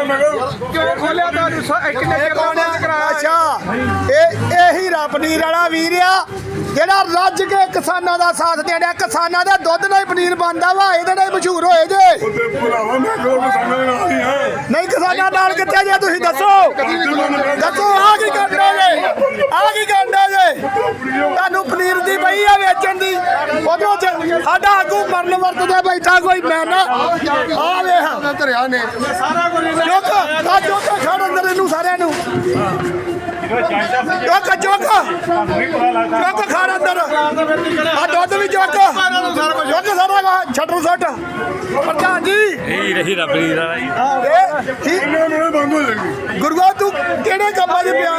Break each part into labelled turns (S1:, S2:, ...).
S1: अच्छा यही पनीर वाला वीर आ जेड़ा रज के किसानों का साथ दे रहा किसानों के दुध नाल पनीर बनता वा ये मशहूर होए जे नहीं किसानों नाल कित्थे जे तुसीं दसो दसो आ की करना जे तुहानूं पनीर दी पई आ वेचण दी उधरों साडा आगू मरन वर्तदे बैठा कोई मैं ना आ वेख धरिया ने चुक खड़ अंदर इनू सारिਆਂ ਨੂੰ चुक खाना अंदर दुध भी चुक सारा छटर सट प्रधान जी गुरुआ तू किहड़े कम्मां च पिया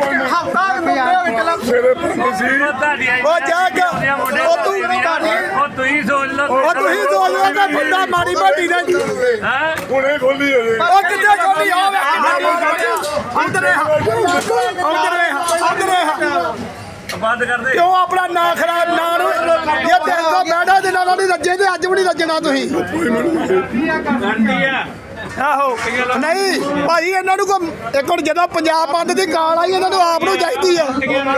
S1: बंदा माड़ी मोटी बंद कर दे क्यों अपना ना खराब ना ये देखो बैठा दिन नहीं रजे ते अज भी नहीं रजना तुसीं आहो नहीं भाई इन्हां नूं एक हुण जदों पंजाब बंद दी गाल आई इन्हां नूं आप नूं चाहीदी है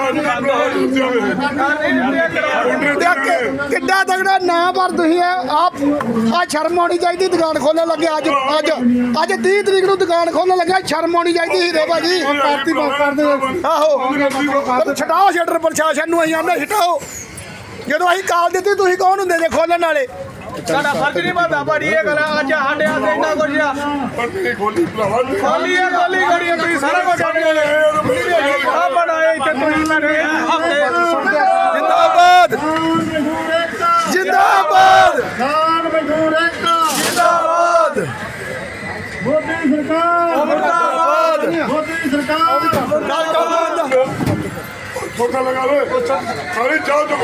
S1: किड्डा तगड़ा ना पर तुसीं आप आ शर्म होनी चाहिए दुकान खोलने लगे अज 30 तरीक नूं दुकान खोलने लगे शर्म होनी चाहिए हीरे भाजी आहो छटाओ शटर प्रशासन नूं असीं आंदे छटाओ जदों असीं काल दित्ती तुसीं कौन हुंदे जे खोलण वाले साडा फर्ज नहीं बनता भाड़ी ये गल अज साडे हाथे इन्ना कुछ खोली खोली तुसीं सारा कुछ आ बनाए इत्थे तुसीं हफ्ते जिंदाबाद जिंदाबाद जिंदाबाद मोदी सरकार मोदी सरकार ठोका लगा लो सारी चाव जो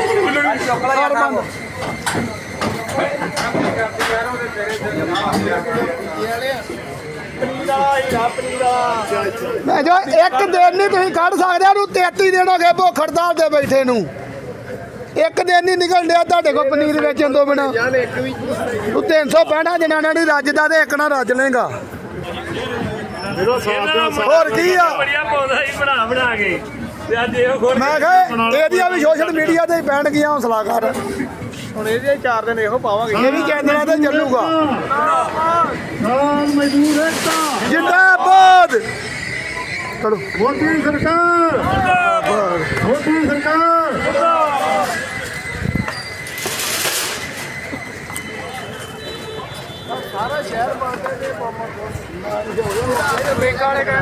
S1: मैं जो एक दिन नहीं तुम कढ़ सकते 33 दिन हो गए भुख हड़ताल से बैठे नू एक दिन नहीं निकल दिया तुहाडे कोल पनीर वेचण तो बिना तू 365 दिनां नाल नहीं रजदा ते एक ना रज लेगा और की आ मैं कहा भी सोशल मीडिया ते पैण गया हौसला कर ਹੁਣ ਇਹਦੇ 4 ਦਿਨ ਇਹੋ ਪਾਵਾਂਗੇ ਇਹ ਵੀ ਕਹਿੰਦੇ ਤੇ ਚੱਲੂਗਾ ਮਜ਼ਦੂਰ ਏਕਤਾ ਜਿੰਦਾਬਾਦ ਚਲੋ ਮੋਦੀ ਸਰਕਾਰ ਜਿੰਦਾਬਾਦ ਮੋਦੀ ਸਰਕਾਰ ਸਾਰਾ ਸ਼ਹਿਰ ਬਾਂਦੇ ਦੇ ਬੰਮਾਂ ਬ੍ਰੇਕ ਵਾਲੇ